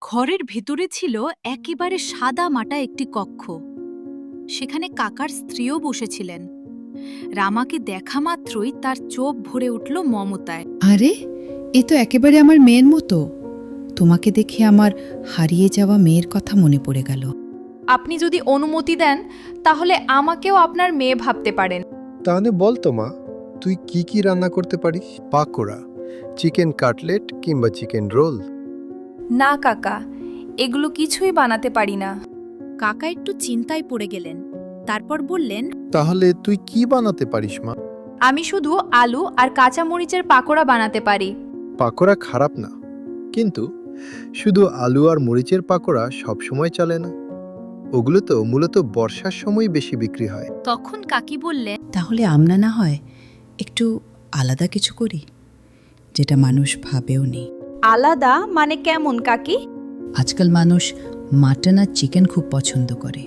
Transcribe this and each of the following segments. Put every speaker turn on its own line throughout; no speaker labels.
ঘরের ভেতরে ছিল একেবারে সাদা মাটা একটি কক্ষ। সেখানে কাকার স্ত্রীও বসেছিলেন। রামাকে দেখা মাত্রই তার চোখ ভরে উঠল মমতায়।
আরে, এ তো একেবারে আমার মেয়ের মতো। তোমাকে দেখে আমার হারিয়ে যাওয়া মেয়ের কথা মনে পড়ে গেল।
আপনি যদি অনুমতি দেন তাহলে আমাকেও আপনার মেয়ে ভাবতে পারেন।
তাহলে বল তো মা, তুই কি কি রান্না করতে পারিস? পাকোড়া, চিকেন কাটলেট কিংবা চিকেন রোল?
না কাকা, এগুলো কিছুই বানাতে পারি না।
কাকা একটু চিন্তায় পড়ে গেলেন। তারপর বললেন,
তাহলে তুই কি বানাতে পারিস মা?
আমি শুধু আলু আর কাঁচা মরিচের পাকোড়া বানাতে পারি।
পাকোড়া খারাপ না, কিন্তু শুধু আলু আর মরিচের পাকোড়া সবসময় চলে না। ওগুলো তো মূলত বর্ষার সময় বেশি বিক্রি হয়।
তখন কাকি বললেন,
তাহলে আমরা না হয় একটু আলাদা কিছু করি, যেটা মানুষ ভাবেও নেই।
আলাদা মানে কেমন কাকি?
আজকাল মানুষ মাটন আর চিকেন খুব পছন্দ করে।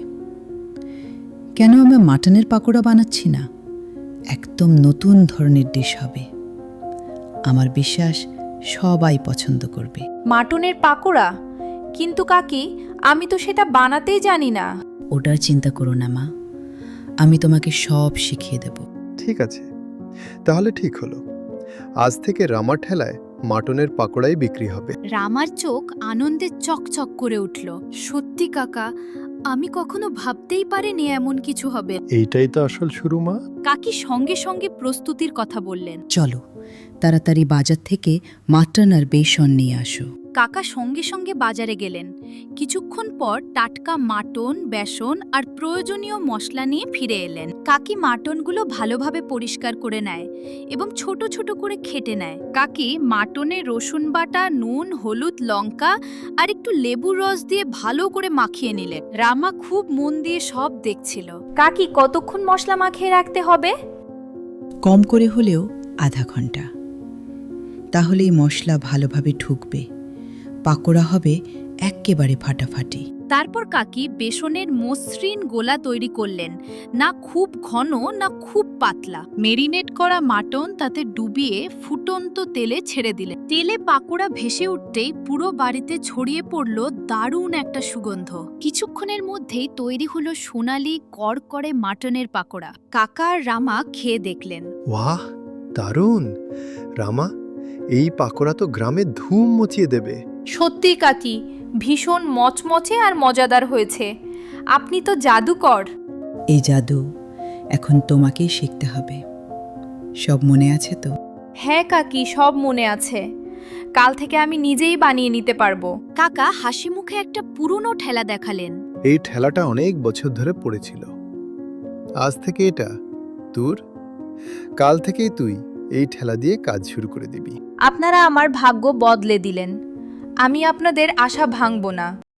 কেন আমরা মাটনের পাকোড়া বানাচ্ছি না? একদম নতুন ধরনের ডিশ হবে। আমার বিশ্বাস সবাই পছন্দ করবে।
মাটনের পাকোড়া? কিন্তু কাকি, আমি তো সেটা বানাতেই জানি না।
ওটার চিন্তা করো না মা, আমি তোমাকে সব শিখিয়ে দেব।
ঠিক আছে, তাহলে ঠিক হলো। আজ থেকে রামার ঠেলায় মাটনের পাকোড়াই বিক্রি হবে।
রামার চোখ আনন্দে চকচক করে উঠল। সত্যি কাকা, আমি কখনো ভাবতেই পারিনি এমন কিছু হবে।
এইটাই তো আসল শুরু মা।
কাকি সঙ্গে সঙ্গে প্রস্তুতির কথা বললেন।
চলো তাড়াতাড়ি বাজার থেকে মাটন আর বেসন নিয়ে আসো।
কাকা সঙ্গে সঙ্গে বাজারে গেলেন। কিছুক্ষণ পর টাটকা মাটন, বেসন আর প্রয়োজনীয় মশলা নিয়ে ফিরে এলেন। কাকি মাটনগুলো ভালোভাবে পরিষ্কার করে নেয় এবং ছোট ছোট করে কেটে নেয়। কাকি মাটনে রসুন বাটা, নুন, হলুদ, লঙ্কা আর একটু লেবুর রস দিয়ে ভালো করে মাখিয়ে নিলেন। রামা খুব মন দিয়ে সব দেখছিল।
কাকি, কতক্ষণ মশলা মাখিয়ে রাখতে হবে?
কম করে হলেও আধা ঘন্টা। তাহলেই মশলা ভালোভাবে ঢুকবে, পাকোড়া হবে এক্কেবারে ফাটাফাটি।
তারপর কাকি বেসনের মসৃণ গোলা তৈরি করলেন, না খুব ঘন না খুব পাতলা। মেরিনেট করা মাটন তাতে ডুবিয়ে ফুটন্ত তেলে ছেড়ে দিলেন। তেলে পাকোড়া ভেসে উঠতেই পুরো বাড়িতে ছড়িয়ে পড়ল দারুণ একটা সুগন্ধ। কিছুক্ষণের মধ্যেই তৈরি হলো সোনালি কড়কড়ে মাটনের পাকোড়া। কাকা আর রামা খেয়ে দেখলেন।
ওয়াহ, দারুণ! রামা, এই পাকোড়া তো গ্রামে ধুম মচিয়ে দেবে।
সত্যি কাকি, ভীষণ মচমচে আর মজাদার হয়েছে। আপনি তো জাদুকর।
এই জাদু এখন তোমাকেই শিখতে হবে। সব মনে আছে তো?
হ্যাঁ কাকি, সব মনে আছে। কাল থেকে আমি নিজেই বানিয়ে নিতে পারবো।
কাকা হাসি মুখে একটা পুরনো ঠেলা দেখালেন।
এই ঠেলাটা অনেক বছর ধরে পড়েছিল। আজ থেকে এটা তোর। কাল থেকেই তুই এই ঠেলা দিয়ে কাজ শুরু করে দিবি।
আপনারা আমার ভাগ্য বদলে দিলেন। আমি আপনাদের আশা ভাঙব না।